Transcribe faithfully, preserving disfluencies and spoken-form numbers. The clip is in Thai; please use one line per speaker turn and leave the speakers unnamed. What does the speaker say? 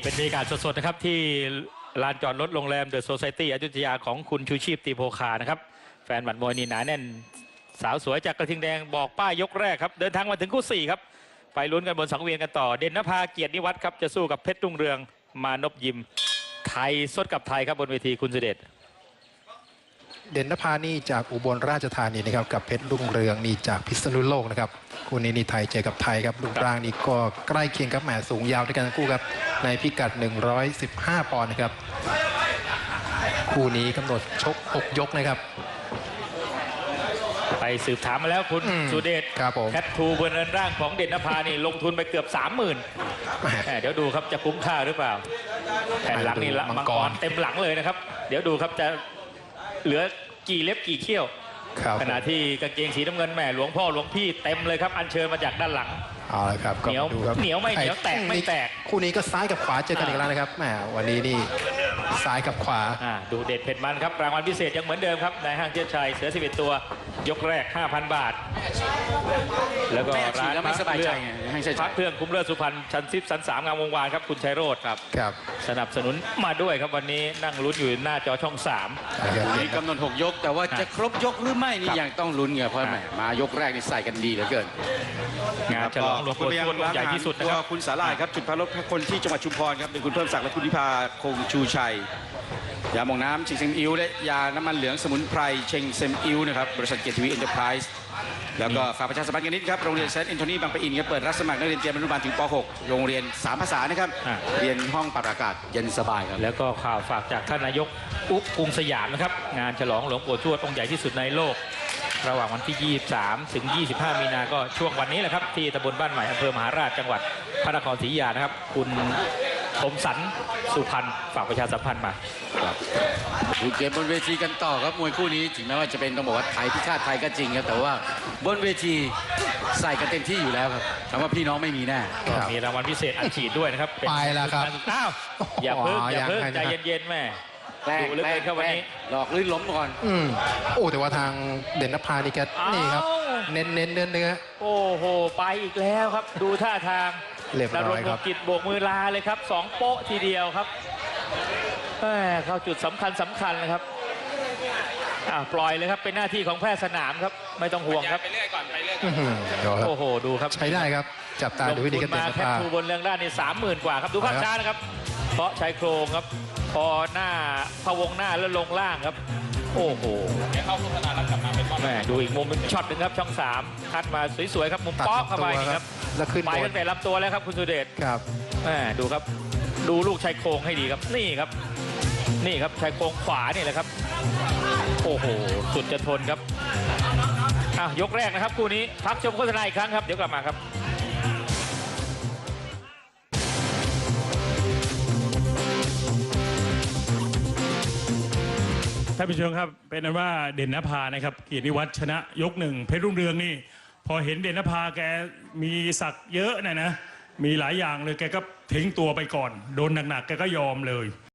เป็นบรรยากาศสดๆนะครับที่ลานจอดรถโรงแรมเดอะโซไซตี้อยุธยาของคุณชูชีพตีโพคานะครับแฟนหมัดมวยนี่หนาแน่นสาวสวยจากกระทิงแดงบอกป้ายยกแรกครับเดินทางมาถึงคู่สี่ครับไปลุ้นกันบนสังเวียนกันต่อเด่นนภาเกียรตินิวัฒน์ครับจะสู้กับเพชรรุ่งเรืองมานพยิมไทยสดกับไทยครับบนเวทีคุณสุเดช
เด่นนภานี่จากอุบลราชธานีนะครับกับเพชรรุ่งเรืองนี่จากพิษณุโลกนะครับคู่นี้นี่ไทยเจอกับไทยครับรูปร่างนี่ก็ใกล้เคียงกับแหมสูงยาวด้วยกันทั้งคู่ครับในพิกัดหนึ่งร้อยสิบห้าปอนด์นะครับคู่นี้กำหนดชกหกยกนะครับ
ไปสืบถามมาแล้วคุณสุเดชแคททูบนเรือนร่างของเด่นนภานี่ลงทุนไปเกือบสามหมื่นเดี๋ยวดูครับจะคุ้มค่าหรือเปล่าแผ่นหลังนี่ละมังกรเต็มหลังเลยนะครับเดี๋ยวดูครับจะเหลือกี่เล็บกี่เขี้ยวขณะที่กางเกงสีน้ำเงินแม่หลวงพ่อหลวงพี่เต็มเลยครับอัญเชิญมาจากด้านหลัง
เอาละครับ
เหนียวเหนียวไม่เหนียวแตกไม่แตก
คู่นี้ก็ซ้ายกับขวาเจอกันอีกแล้วนะครับแหมวันนี้นี่ซ้ายกับขวา
ดูเด็ดเผ็ดมันครับรางวัลพิเศษยังเหมือนเดิมครับในห้างเจ้าชัยเสือสิบเอ็ดตัวยกแรก ห้าพัน บาทแล้วก็ร้านพักเรื่องพักเครื่องคุ้มเลิศสุพรรณชันซิปสันสามงามวงวานครับคุณชัยโรจน์ครับ
ครับ
สนับสนุนมาด้วยครับวันนี้นั่งลุ้นอยู่หน้าจอช่องสาม
นี่กำหนดหกยกแต่ว่าจะครบยกหรือไม่นี่ยังต้องลุ้นไงเพราะแหมมายกแรกนี่ใส่กันดีเหลือเกิน
งานฉลองหลวงปู่ทวดใหญ่ที่สุดนะครับ
คุณสาลายครับจุดพักรถคนที่จังหวัดชุมพรครับเป็นคุณเพิ่มศักดิ์และคุณนิพาคงชูชัยยาหม่องน้ำเชงเซมอิวและยาน้ำมันเหลืองสมุนไพรเชงเซมอิวนะครับบริษัทเกียรติทวีเอ็นเตอร์ไพรส์แล้วก็ฝากประชาสัมพันธ์กันนิดครับโรงเรียนเซนต์แอนโทนีบางปะอินครับเปิดรับสมัครนักเรียนเตรียมอนุบาลถึงป .หก โรงเรียนสามภาษานะครับเรียนห้องปรับอากาศเย็นสบายครับ
แล้วก็ข่าวฝากจากท่านนายกอุ๊กกรุงสยามนะครับงานฉลองหลวงปู่ทวดองค์ใหญ่ที่สุดในโลกระหว่างวันที่ยี่สิบสามถึงยี่สิบห้ามีนาก็ช่วงวันนี้แหละครับที่ตำบลบ้านใหม่อำเภอมหาราชจังหวัดพระนครศรีอยุธยานะครับคุณคมสันสุพรรณฝากประชาสัมพันธ์มา
ดูเกมบนเวทีกันต่อครับมวยคู่นี้ถึงแม้ว่าจะเป็นต้องบอกว่าไทยพิฆาตไทยก็จริงครับแต่ว่าบนเวทีใส่กันเต็มที่อยู่แล้วครับคำว่าพี่น้องไม่มีแน่
มีรางวัลพิเศษอัดฉีดด้วยนะครับ
ไปแล้วครับ
อ้าวอย่าเพิ่งอย่าเพิ่งใจเย็นๆแม่
ดูเลยครับวันนี้หลอกลื่นล้มก่อน
อืมโอ้แต่ว่าทางเด่นนภานี่แกนี่ครับเน้นเน้นเนื้อเนื้อ
โอ้โหไปอีกแล้วครับดูท่าทาง
เรียบร้อยครับ
กิจโบกมือลาเลยครับสองโป๊ะทีเดียวครับเข้าจุดสำคัญสำคัญเลยครับปล่อยเลยครับเป็นหน้าที่ของแพทย์สนามครับไม่ต้องห่วงครับไปเรื่อยก่อนไปเรื่อยก่อนโอ้โหดูครับ
ใช้ได้ครับจับตาดูวิธีการเตะ
แคปทูบนเรื่องด้านนี่สามหมื่นกว่าครับดูภาพช้านะครับเพราะชายโครงครับพอหน้าพะวงหน้าแล้วลงล่างครับโอ้โหเข้าโฆษณาแล้วกลับมาเป็นแม่ดูอีกมุมเป็นช็อตหนึ่งครับช่องสามคัดมาสวยๆครับมุมป๊อกเข้าไปครับ
แล้วขึ้น
ไปตั้งแต่ลำตัวแล้วครับคุณสุเดช
ครับ
แม่ดูครับดูลูกชายโครงให้ดีครับนี่ครับนี่ครับชายโครงขวานี่แหละครับโอ้โหสุดจะทนครับอ่ะยกแรกนะครับคู่นี้พักชมโฆษณาอีกครั้งครับเดี๋ยวกลับมาครับ
ท่านผู้ชมครับเป็นนั้นว่าเด่นนภานะครับเกียรตินิวัฒน์ชนะยกหนึ่งเพชรรุ่งเรืองนี่พอเห็นเด่นนภาแกมีศักดิ์เยอะนะนะมีหลายอย่างเลยแกก็ทิ้งตัวไปก่อนโดนหนักๆแกก็ยอมเลย